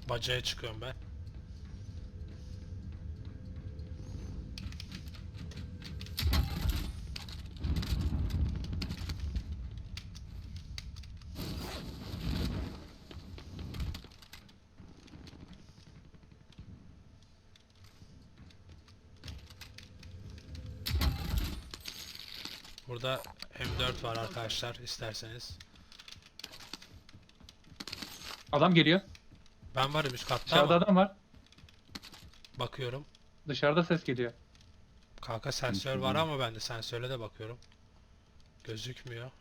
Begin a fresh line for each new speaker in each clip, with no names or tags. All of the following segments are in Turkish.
Bacaya çıkıyorum ben. Burada M4 var arkadaşlar isterseniz.
Adam geliyor.
Ben varım üst katta
Dışarıda
ama
adam var.
bakıyorum.
Dışarıda ses geliyor.
Kanka sensör var ama ben de sensöre de bakıyorum. Gözükmüyor.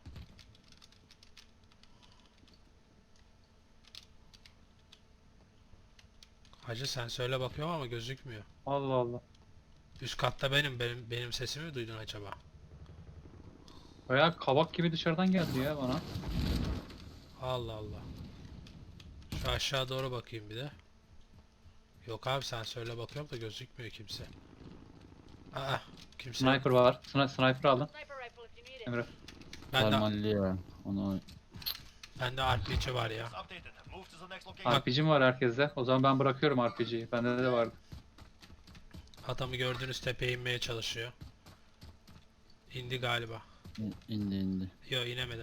Hacı sensörle bakıyorum ama gözükmüyor.
Allah Allah.
Üst katta benim sesimi mi duydun acaba?
Bayağı kabak gibi dışarıdan geldi ya bana.
Allah Allah. Şu aşağı doğru bakayım bir de. Yok abi sensörle bakıyorum da gözükmüyor kimse. Aa kimse yok.
Sniper var. Sniper alın.
Sniper rifle if you need it.
Emre.
Parmalli ya. Onu
Bende RPG var ya.
RPG'm var herkeste. O zaman ben bırakıyorum RPG'yi. Bende de vardı.
Adamı gördüğünüz tepeye inmeye çalışıyor. İndi galiba.
indi.
Yo inemedi.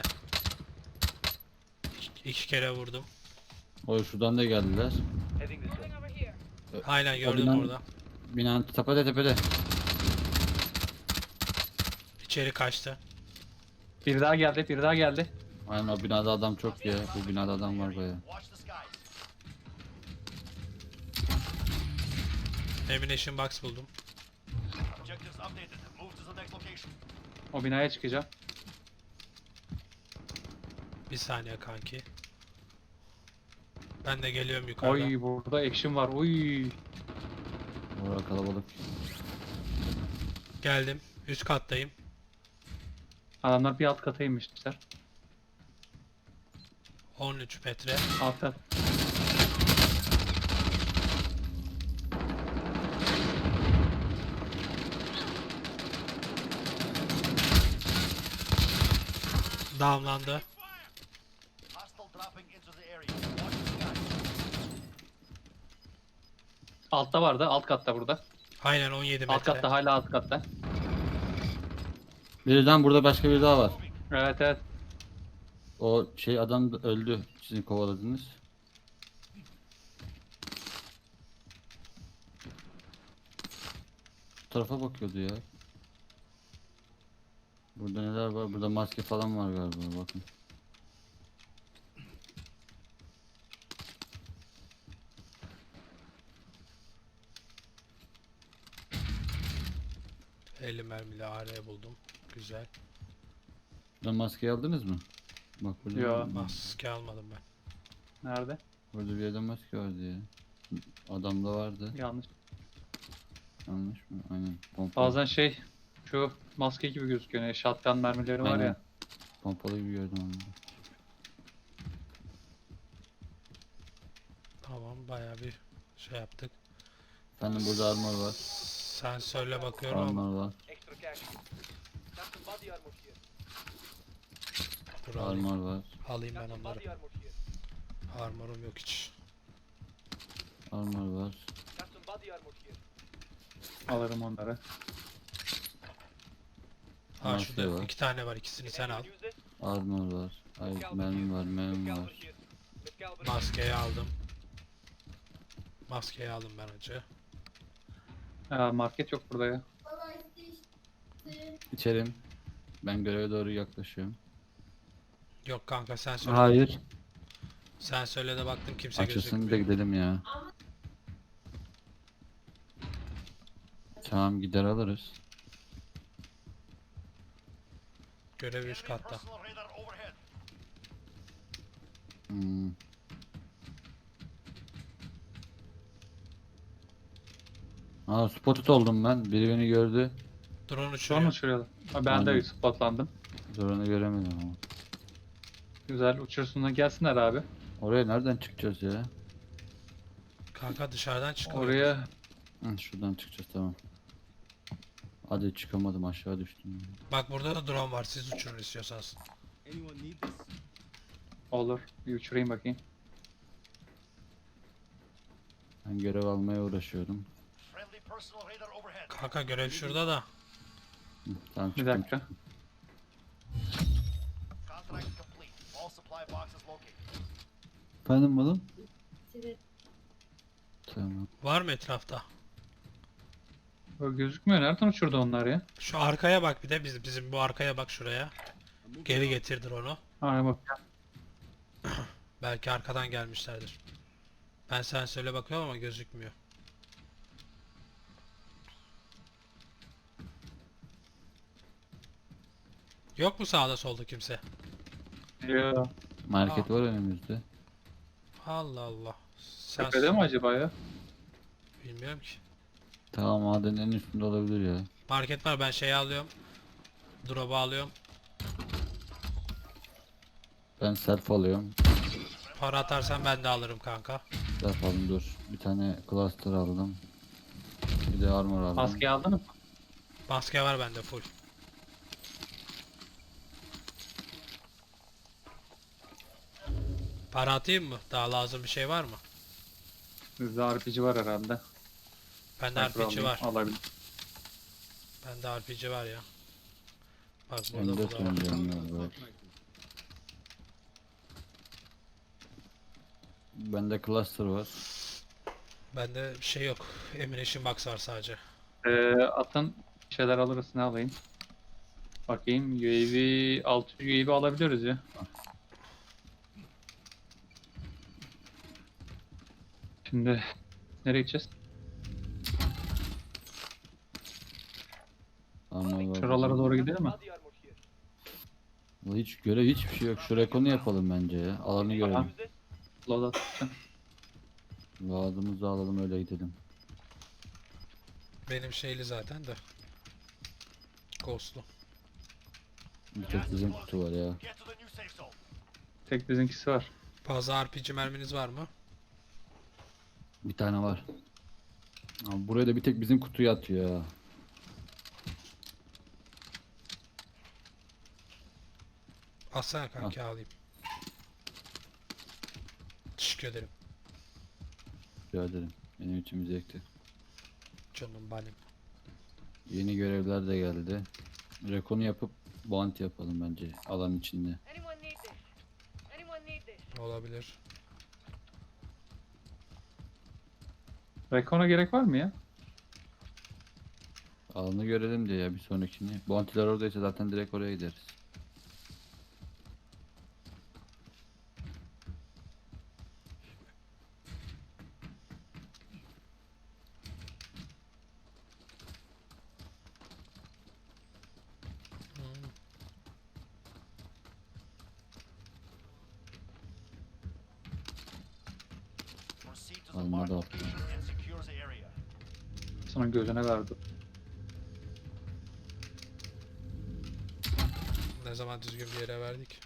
İki kere vurdum.
O şuradan da geldiler.
Moving over here.
Aynen gördüm
binanın-
orada.
Binanın tepede.
İçeri kaçtı.
Bir daha geldi. Bir daha geldi.
Aynen o binada adam çok ya. Bu binada adam var baya.
Ammunition box buldum.
O binaya çıkacağım.
Bir saniye kanki. Ben de geliyorum yukarıda.
Oy burada action var. Oy.
Orada kalabalık.
Geldim. Üst kattayım.
Adamlar bir alt kata inmişler.
13 metre.
Alt kat.
Damlandı.
Altta vardı. Alt katta burada.
Aynen 17 metre.
Alt katta hala alt katta.
Birden burada başka biri daha var.
Evet evet.
O şey adam da öldü. Sizin kovaladınız. Bu tarafa bakıyordu ya. Burada neler var? Burada maske falan var galiba. Bakın.
...50 mermili AR buldum. Güzel.
Buradan maskeyi aldınız mı? Bak burada.
Yo.
Maske almadım ben.
Nerede?
Burada bir yerde maske vardı ya. Adamda vardı.
Yanlış.
Yanlış mı? Aynen. Pompa.
Bazen şey şu maske gibi gözüküyor. Yani shotgun mermileri var
Aynen.
ya.
Pompalı gibi gördüm onu.
Tamam bayağı bir şey yaptık.
Efendim burada armor var.
Sensörle bakıyorum ama
Armor var.
Extra cash. Got some body armor here.
dur alayım.
Armor var.
Alayım
Got
ben
some
onları.
body armor here.
Armorum yok hiç.
Armor var.
Got some body armor here.
Alırım onları.
Ha
Maske
şurada
var.
2 tane var, ikisini sen al.
Use this?
Armor var. Ay mermi var. Mermi
Caliber
var.
here. With caliber.
Maskeyi aldım. Maskeyi aldım ben önce.
Market yok burada ya.
İçerim. Ben göreve doğru yaklaşıyorum.
Yok kanka sensörle.
Hayır.
Sensörle de baktım kimse
Açılsın da
gözükmüyor.
gidelim ya. Tamam gider alırız.
Görev üst katta.
Hmm. Aa spotted oldum ben. Biri beni gördü.
Drone
Şu an
uçuruyor.
uçuruyorlar. Ben de
Aynen.
spotlandım.
Zoranı göremedim ama.
Güzel uçursunlar gelsinler abi.
Oraya nereden çıkacağız ya?
Kanka dışarıdan çıkıyor.
Oraya
Hı, şuradan çıkacağız tamam. Hadi çıkamadım aşağı düştüm.
Bak burada da drone var, siz uçurun istiyorsanız.
olur. Bir uçurayım bakayım.
Ben görev almaya uğraşıyorum.
Friendly personal radar overhead.
Kanka görev şurada da.
Hı, tamam
Bir
çıktım.
dakika.
Contract complete. All supply boxes located.
Efendim oğlum? Tamam.
Var mı etrafta?
Böyle gözükmüyor. Nereden uçurdu onlar ya?
Şu arkaya bak bir de bizim bu arkaya bak şuraya. Geri getirdir onu.
Aa bak.
Belki arkadan gelmişlerdir. Ben sen söyle bakıyorum ama gözükmüyor. Yok mu sağda solda kimse?
Ya.
Market var önümüzde.
Allah Allah. Sen
Tepede mi acaba ya?
bilmiyorum ki.
Tamam madenin en üstünde olabilir ya.
Market var, ben şeyi alıyorum. Drop'u alıyorum.
Ben self alıyorum.
Para atarsan ben de alırım kanka.
Self aldım dur. Bir tane cluster aldım. Bir de armor aldım.
Maskeyi aldın mı?
Maske var bende full. Para atayım mı? Daha lazım bir şey var mı?
Bizde RPG var herhalde.
Bende
Sniper
RPG
alayım,
var.
Alabilir.
Bende RPG var ya. Bak burada
M4
burada var.
oynayacağım ya. Bende cluster var.
Bende bir şey yok. Ammunition box var sadece.
Atın bir şeyler alırız. Ne alayım? Bakayım. UAV 600 UAV alabiliyoruz ya. Şimdi nereye gideceğiz?
Armor var.
Şuralara doğru gidelim mi?
Body armor here.
Vallahi hiç görev hiçbir şey yok. Şu rekonu yapalım bence ya. Alanı görelim.
Use this.
Load atacağım.
Vaadimizi alalım öyle gidelim.
Benim şeyli zaten de. Ghost'lu.
Bir tek bizim kutu var ya.
Get to the new safe zone.
Tek bizimkisi var.
Fazla RPG merminiz var mı?
Bir tane var. Abi buraya da bir tek bizim kutuyu atıyor ya.
Alsana kanki alayım. Teşekkür ederim.
Rica ederim. Benim için bir zevkti.
Canım benim.
Yeni görevler de geldi. Rekonu yapıp bounty yapalım bence alan içinde.
Anyone need this? Anyone need this?
Olabilir.
Rekon'a gerek var mı ya?
Alanı görelim diye ya bir sonrakini. Bounty'ler oradaysa zaten direkt oraya gideriz.
Proceed to the
Alma
marked
da
location and secure the area.
Sana gözüne verdi.
Ne zaman düzgün bir yere verdik.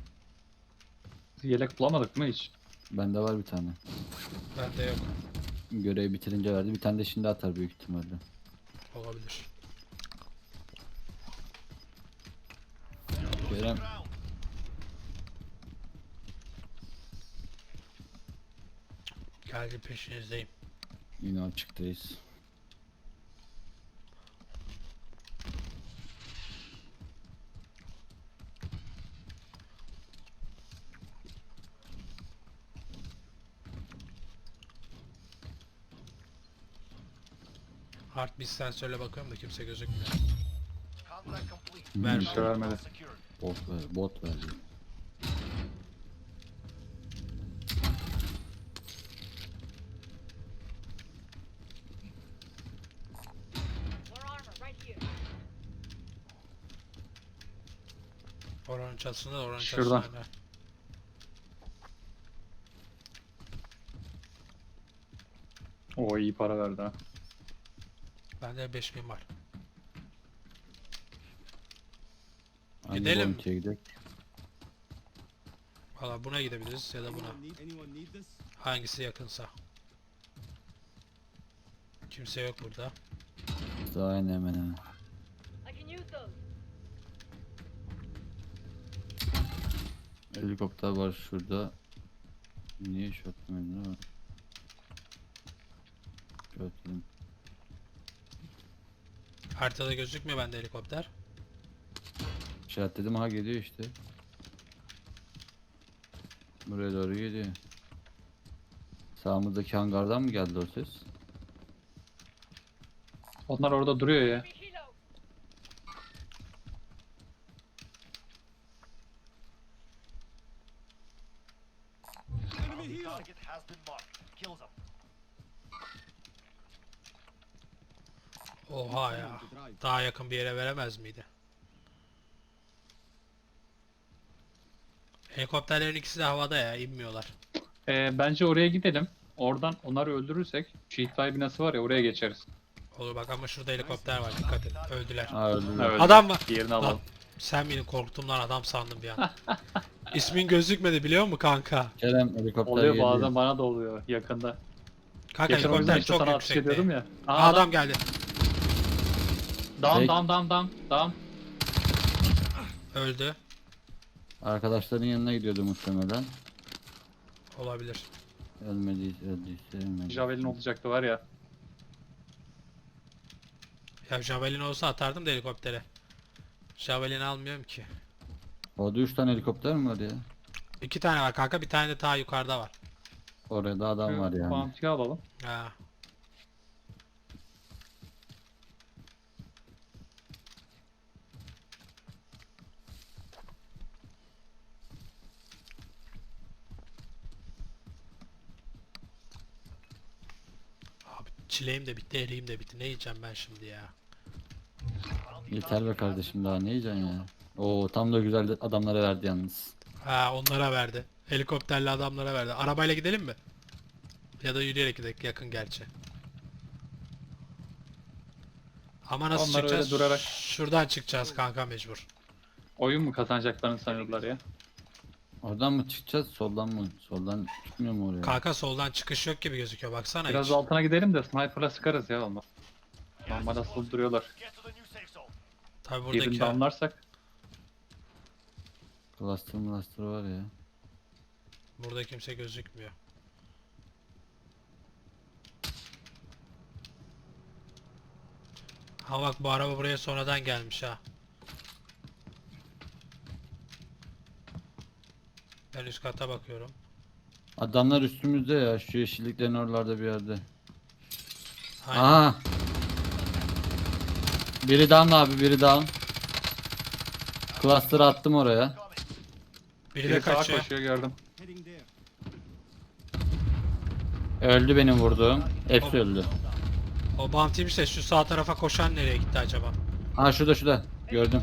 Yelek bulamadık mı hiç?
Bende var bir tane.
Bende yok.
Görevi bitirince verdi. Bir tane de şimdi atar büyük ihtimalle.
Olabilir.
Kerem
Ground.
Geldi peşinizdeyim.
yine açıktayız.
Hard bir sensörle bakıyorum da kimse gözükmüyor.
Contract complete.
Ver.
Bir şey vermedi.
Secured.
Bot verdi.
More armor right here.
Oranın çatısında da oranın
Şuradan.
çatısında.
O iyi para verdi ha.
Bende 5000 var.
Hangi
Gidelim.
bounty'ye gidelim?
Valla buna gidebiliriz ya da buna. Hangisi yakınsa. Kimse yok burada.
Daha aynı hemen hemen.
I can use those.
Helikopter var şurada. Niye shotgun var? Örteyim.
Haritada gözükmüyor bende helikopter.
İşaretledim, ha geliyor işte. Buraya doğru geliyor. Sağımızdaki hangardan mı geldi o ses?
Onlar orada duruyor ya.
Be helo.
Bounty target has been marked. Kill them.
Oha ya. Daha yakın bir yere veremez miydi? Helikopterlerin ikisi de havada ya, inmiyorlar.
Bence oraya gidelim. Oradan onları öldürürsek Şehitler binası var ya, oraya geçeriz.
Olur bak, ama şurada helikopter var, dikkat et. Öldüler.
Ha öldü.
Evet.
Adam var.
Diğerini
Lan,
alalım.
sen beni korktuğumdan adam sandım bir an. İsmin gözükmedi biliyor musun kanka?
Kerem helikopter
Oluyor
geliyor.
bazen, bana da oluyor yakında.
Kanka
Geçen o yüzden
helikopter
işte
çok
sana atış
yüksekte.
ediyordum ya.
Aa, adam geldi.
Down
Tek-
down down down down.
Öldü.
Arkadaşların yanına gidiyordu muhtemelen.
Olabilir.
Öldüyse ölmedi.
Javelin olacaktı var ya.
Ya Javelin olsa atardım da helikoptere. Javelin almıyorum ki.
Orada 3 tane helikopter mi var ya?
2 tane var kanka, bir tane de ta yukarıda var.
Orada da adam var yani.
Bounty'yi alalım.
Ha. Abi çileğim de bitti, eriğim de bitti. Ne yiyeceğim ben şimdi ya?
Yeter be kardeşim, daha ne yiyeceksin ya? Oo, tam da güzel adamlara verdi yalnız.
Ha, onlara verdi. Helikopterli adamlara verdi. Arabayla gidelim mi? Ya da yürüyerek gidelim, yakın gerçi. Ama nasıl
Onlar öyle
çıkacağız?
durarak-
Şuradan çıkacağız kanka mecbur.
Oyun mu kazanacaklarını sanıyorlar ya.
Oradan mı çıkacağız, soldan mı? Soldan çıkmıyor mu oraya?
Kanka soldan çıkış yok gibi gözüküyor, baksana
Biraz
hiç.
altına gidelim de sniper'la sıkarız ya olmaz. Normal asılı duruyorlar.
Get to the new safe zone.
Tabi
Birini
buradaki
damlarsak
Cluster var ya.
burada kimse gözükmüyor. Ha bak, bu araba buraya sonradan gelmiş ha. Ben üst kata bakıyorum.
Adamlar üstümüzde ya, şu yeşilliklerin oralarda bir yerde.
Aynen.
Aha! Biri down abi, biri down. Cluster'ı attım oraya.
Biri de
biri sağa
kaçıyor.
koşuyor, gördüm.
Öldü benim vurduğum. Hepsi öldü.
O bounty'miş de şu sağ tarafa koşan nereye gitti acaba?
Ha şurada. Gördüm.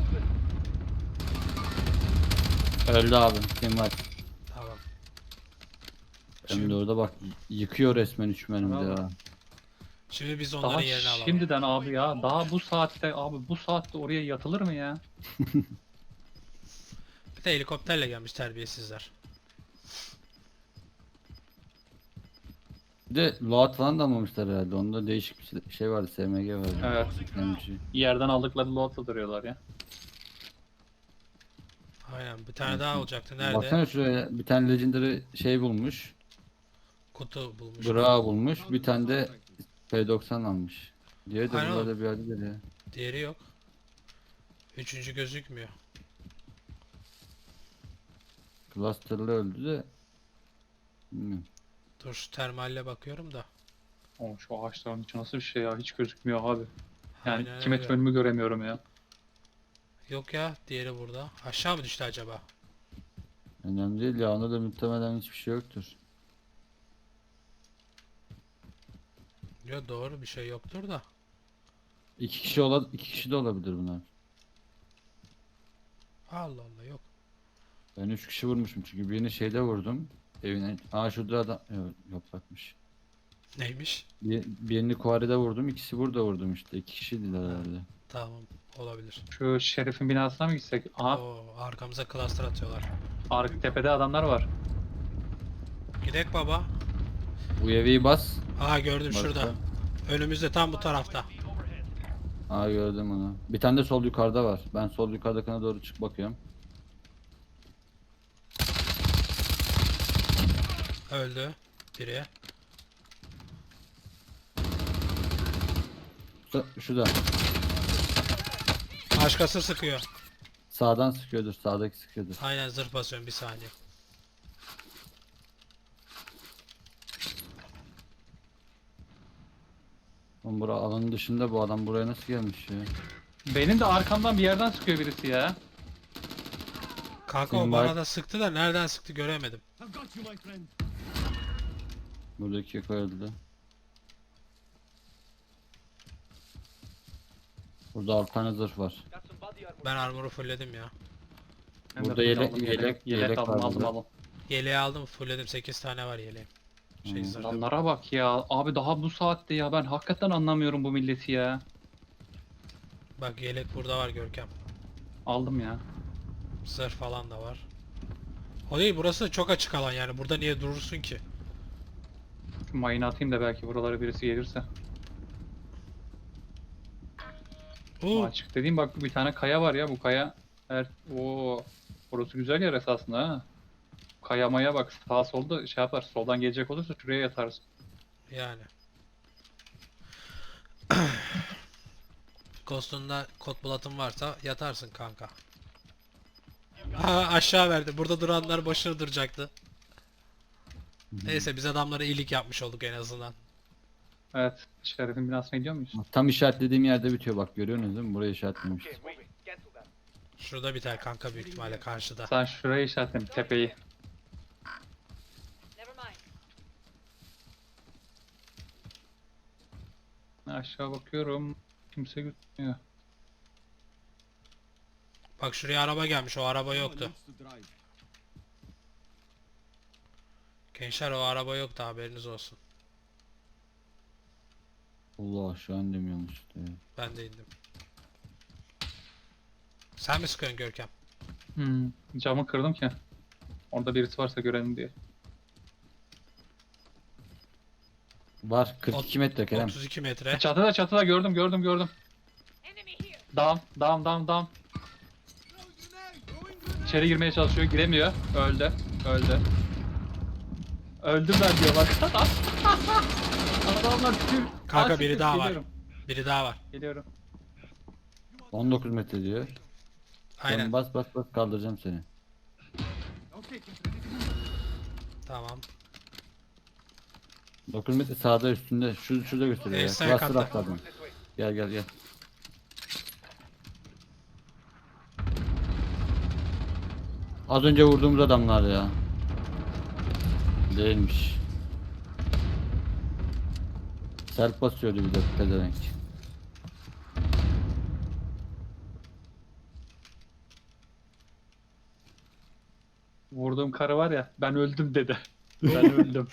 Öldü abi. Kim var?
Tamam.
Hem de orada bak, yıkıyor resmen üçmenimizi
Bravo.
ya.
Şimdi biz
Daha
onların yerini alalım.
şimdiden abi ya. Daha bu saatte abi, bu saatte oraya yatılır mı ya?
Bir de helikopterle gelmiş terbiyesizler.
Bir de loot falan da almamışlar herhalde. Onda değişik bir şey vardı. SMG vardı.
Evet.
MG.
Yerden aldıkları lootla duruyorlar ya.
Aynen, bir tane daha olacaktı. Nerede?
Baksana şuraya, bir tane legendary şey bulmuş.
Kutu bulmuş.
Bra bulmuş. Bir tane de P90 almış. Diye de
Aynen.
burada bir yerdedir ya.
Diğeri yok. Üçüncü gözükmüyor.
Cluster'lı öldü de. Bilmiyorum.
Dur şu termalle bakıyorum da.
Oğlum şu ağaçların içi nasıl bir şey ya? Hiç gözükmüyor abi. Yani
Aynen
2 metre
öyle.
önümü göremiyorum ya.
Yok ya, diğeri burada. Aşağı mı düştü acaba?
Önemli değil ya. Onda da muhtemelen hiçbir şey yoktur.
Yok, doğru, bir şey yoktur da.
İki kişi de olabilir bunlar.
Allah Allah, yok.
Ben 3 kişi vurmuşum çünkü birini şeyde vurdum. Evine. Aa şurada adam. Yok bakmış.
Neymiş?
Birini Kuari'de vurdum. İkisi burada vurdum işte. 2 kişiydiler herhalde.
Tamam, olabilir.
Şu şerifin binasına mı gitsek? Aha,
Oo, arkamıza cluster atıyorlar.
arka tepede adamlar var.
Gidek baba.
UAV'yi bas.
Aha, gördüm
Başka?
şurada. Önümüzde, tam bu tarafta.
Aa gördüm onu. Bir tane de sol yukarıda var. Ben sol yukarıdakine doğru çık bakıyorum.
Öldü biri.
Şurada.
Başkası sıkıyor.
Sağdan sıkıyordur. Sağdaki sıkıyordur.
Aynen zırh basıyorum bir saniye.
Oğlum bura alanın dışında, bu adam buraya nasıl gelmiş ya?
Benim de arkamdan bir yerden sıkıyor birisi ya.
Kanka o
Senin
bana
var-
da sıktı da nereden sıktı göremedim.
Buradaki yok öldü. Burada 6 tane zırh var.
Got some body armor.
Ben armoru fullledim ya.
Ben de
Burada
full
yelek-
aldım,
yelek
aldım,
var
aldım,
burada.
aldım.
Yeleği aldım fullledim 8 tane var yeleğim.
Hmm.
Zırhım.
Adamlara bak ya. Abi daha bu saatte ya. Ben hakikaten anlamıyorum bu milleti ya.
Bak yelek burada var Görkem.
Aldım ya.
Zırh falan da var. O değil, burası çok açık alan yani. Burada niye durursun ki?
Şu mayını atayım da belki buralara birisi gelirse. Açık dediğim bak bir tane kaya var ya, bu kaya. Oo, burası güzel yer esasında ha. Kayamaya bak, sağ solda şey yapar. Soldan gelecek olursa şuraya yatarız.
Yani. Kostunda kot bulatın varsa yatarsın kanka. Ha, aşağı verdi. Burada duranlar başına duracaktı. Neyse biz adamlara iyilik yapmış olduk en azından.
Evet, Şeref'in binasına gidiyor muyuz?
Tam işaretlediğim yerde bitiyor, bak görüyorsunuz değil mi? Buraya işaretlemiş.
Okay, moving. Cancel that.
Şurada biter kanka büyük ihtimalle karşıda.
Sen şuraya işaretledim, tepeyi.
Never mind.
Aşağı bakıyorum. Kimse gözükmüyor.
Bak şuraya araba gelmiş, o araba yoktu. Gençler o araba yoktu, haberiniz olsun.
Allah aşağı indim yanlışlıkla ya.
Ben de indim. Sen mi sıkıyorsun Görkem?
Camı kırdım ki. Orada birisi varsa görelim diye.
Var 42 metre Kerem.
32 metre.
Çatıda gördüm.
Enemy here.
Dam. İçeri girmeye çalışıyor, giremiyor. Öldü. Öldüm ben diyor bak. Adamlar tüm...
Kanka
Aa,
biri
siktir,
daha var.
geliyorum.
Biri daha var.
Geliyorum.
19 metre diyor.
Aynen.
Sen bas kaldıracağım seni.
Tamam.
9 metre sağda üstünde. Şurada gösteriyor ya.
Sağ
Cluster
katta.
atladım.
This way.
Gel. Az önce vurduğumuz adamlar ya. Değilmiş. Self basıyordu bir de pezevenk.
Vurduğum karı var ya, ben öldüm dedi. Ben öldüm.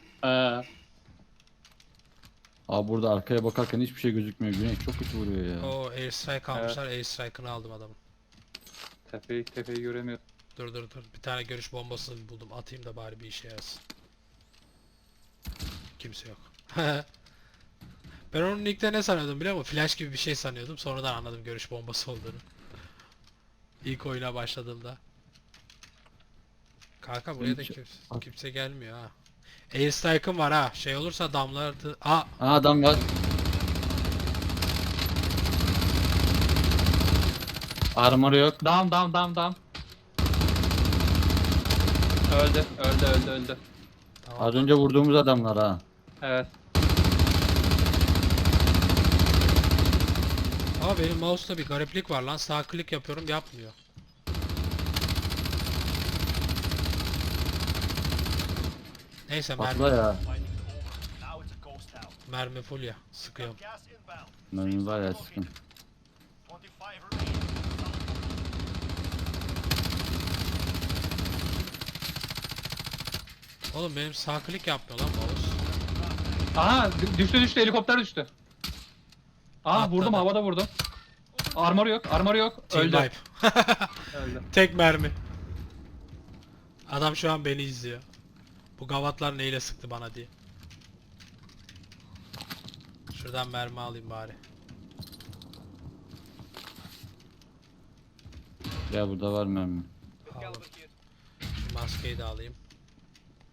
Abi burada arkaya bakarken hiçbir şey gözükmüyor. Güneş çok kötü vuruyor ya.
O airstrike almışlar. Airstrike'ını aldım adamın.
Tepeyi göremiyorum.
Dur. Bir tane görüş bombası buldum. Atayım da bari bir işe yarasın. Kimse yok. Ben onun ilkte ne sanıyordum biliyor musun? Flash gibi bir şey sanıyordum. Sonradan anladım görüş bombası olduğunu. İlk oyuna başladığımda. Kanka buraya da kimse gelmiyor ha. Airstrike'ım var ha. Şey olursa damlardı. Aa,
Adam var. Armor yok.
Dam. Öldü.
tamam.
Az önce vurduğumuz adamlar ha.
Evet.
Ama benim mouse'da bir gariplik var lan. Sağ klik yapıyorum yapmıyor. Neyse
Patla ya.
Now it's a ghost town.
mermi full ya. Sıkıyorum.
Gas inbound.
Mermi var ya sıkın.
25 remaining.
Oğlum benim sağ klik yapmıyor lan mouse.
Aha düştü helikopter düştü.
Atladı.
Vurdum, havada vurdum. Armor yok.
Team
Öldü.
wipe.
Öldü.
Tek mermi. Adam şu an beni izliyor. Bu gavatlar neyle sıktı bana diye. Şuradan mermi alayım bari.
Ya burada var mermi.
Caliber
Aldım.
here.
Şu maskeyi de alayım.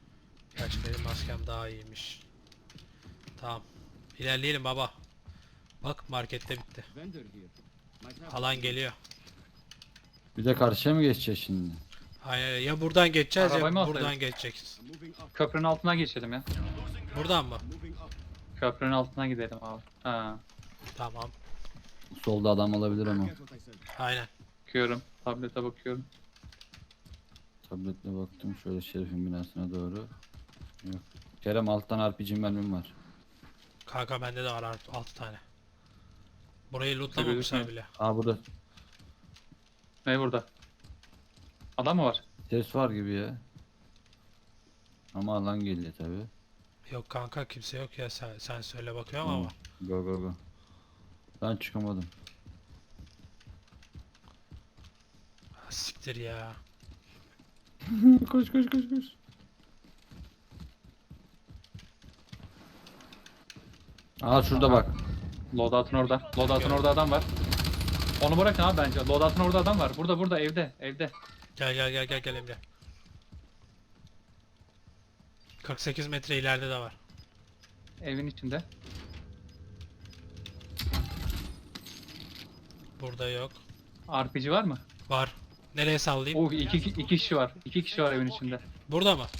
Gerçi benim maskem daha iyiymiş. Tamam. İlerleyelim baba. Bak markette bitti. Alan geliyor.
Bir de karşıya mı geçeceğiz şimdi?
Hayır, ya buradan geçeceğiz
Arabayı mı
ya
alsaydık?
buradan geçeceğiz.
Köprünün altına geçelim ya.
Buradan mı?
Köprünün altına gidelim abi. Ha.
Tamam.
Solda adam olabilir ama.
Aynen.
Bakıyorum. Tablete bakıyorum.
Tabletle baktım şöyle Şerif'in binasına doğru. Yok. Kerem alttan RPG mermim var.
Kanka bende de var 6 tane. Burayı lootlamamışlar bile.
Aa burada
Ne burada? Adam mı var?
ses var gibi ya. Ama alan geliyor tabi.
Yok kanka kimse yok ya sen söyle bakıyorum ama.
Go go go. Ben çıkamadım.
Ha, siktir ya.
Koş koş koş koş. Aa şurada bak.
Loadout'un orada. Loadout'un orada adam var. Onu bırakın abi bence. Loadout'un orada adam var. Burada evde. Evde.
Gel Emre. 48 metre ileride de var.
Evin içinde.
Burada yok.
RPG var mı?
Var. Nereye sallayayım?
Oh iki kişi var. 2 kişi var evin içinde.
Burada mı?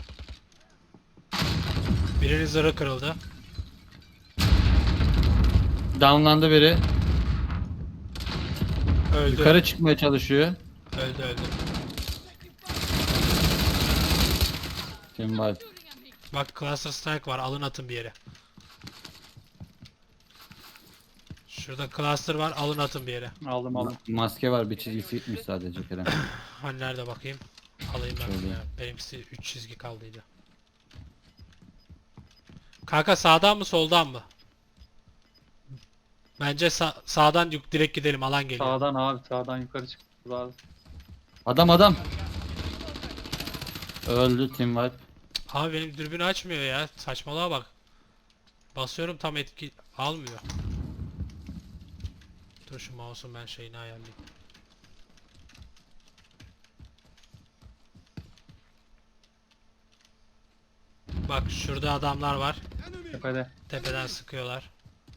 Birinin zırhı kırıldı.
Downlandı biri.
Öldü.
Yukarı çıkmaya çalışıyor.
Öldü.
Kim var?
Bak Cluster Strike var. Alın atın bir yere. Şurada cluster var. Alın atın bir yere.
Aldım.
Maske var, bir çizgisi gitmiş sadece Kerem.
Hani nerede bakayım? Alayım ben
Şöyle.
bunu ya. Benimkisi 3 çizgi kaldıydı. Kanka sağdan mı soldan mı? Bence sağdan direkt gidelim, alan geliyor.
Sağdan abi. Sağdan yukarı çık. Lazım.
Adam. Öldü Team Wipe.
Abi benim dürbünü açmıyor ya. Saçmalığa bak. Basıyorum tam etki almıyor. Dur şu mouse'un ben şeyini ayarlayayım. Bak şurada adamlar var.
Tepede.
Tepeden sıkıyorlar.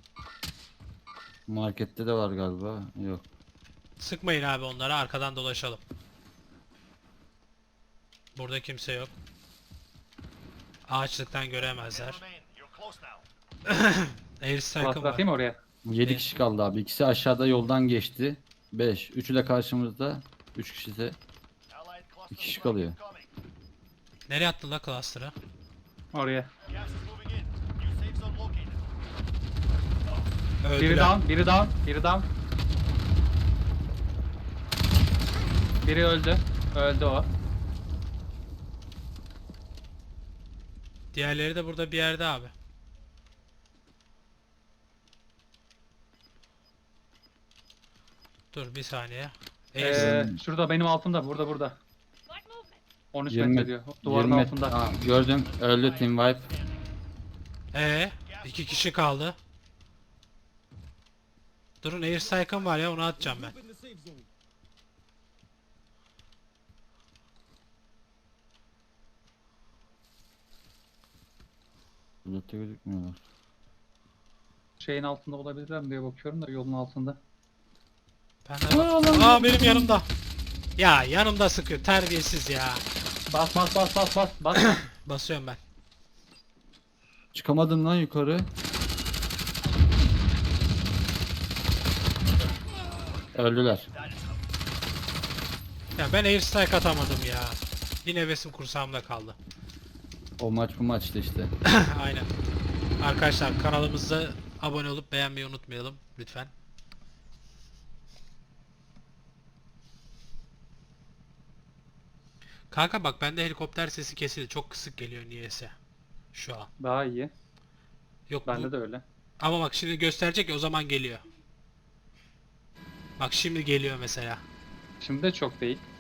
Markette de var galiba. Yok.
Sıkmayın abi onlara, arkadan dolaşalım. Burada kimse yok. Ağaçlıktan göremezler.
Remain. You're close now.
Air strike'ım
Cluster
var.
atayım mı oraya?
7
Evet.
kişi kaldı abi. İkisi aşağıda yoldan geçti. 5. Üçü de karşımızda. 3 kişi de.
Allied cluster
Bir kişi
strike
kalıyor.
incoming.
Nereye attın la cluster'ı?
Oraya.
Gas is moving in. New safe zone located.
Biri
Öldüler.
down. Biri down. Biri öldü. Öldü o.
Diğerleri de burada bir yerde abi. Dur bir saniye.
Şurada benim altımda. Burada.
Black movement.
13
20
metre diyor. Duvarın
20
altında.
Aa, gördüm. Öldü Team Wipe.
İki kişi kaldı. Durun, air strike'ım var ya, onu atacağım ben.
Burada gözükmüyorlar.
Şeyin altında olabilirler mi diye bakıyorum da yolun altında.
Ben de Aa benim yanımda. Ya yanımda sıkıyor, terbiyesiz ya.
Bas.
Basıyorum ben.
Çıkamadım lan yukarı. Öldüler.
Ya ben air strike atamadım ya. Yine hevesim kursağımda kaldı.
O maç bu maçtı işte.
Aynen. Arkadaşlar kanalımıza abone olup beğenmeyi unutmayalım lütfen. Kanka bak bende helikopter sesi kesildi. Çok kısık geliyor niyeyse. Şu an.
Daha iyi.
Yok
Bende
bu...
de öyle.
Ama bak şimdi gösterecek ya, o zaman geliyor. Bak şimdi geliyor mesela.
Şimdi de çok değil.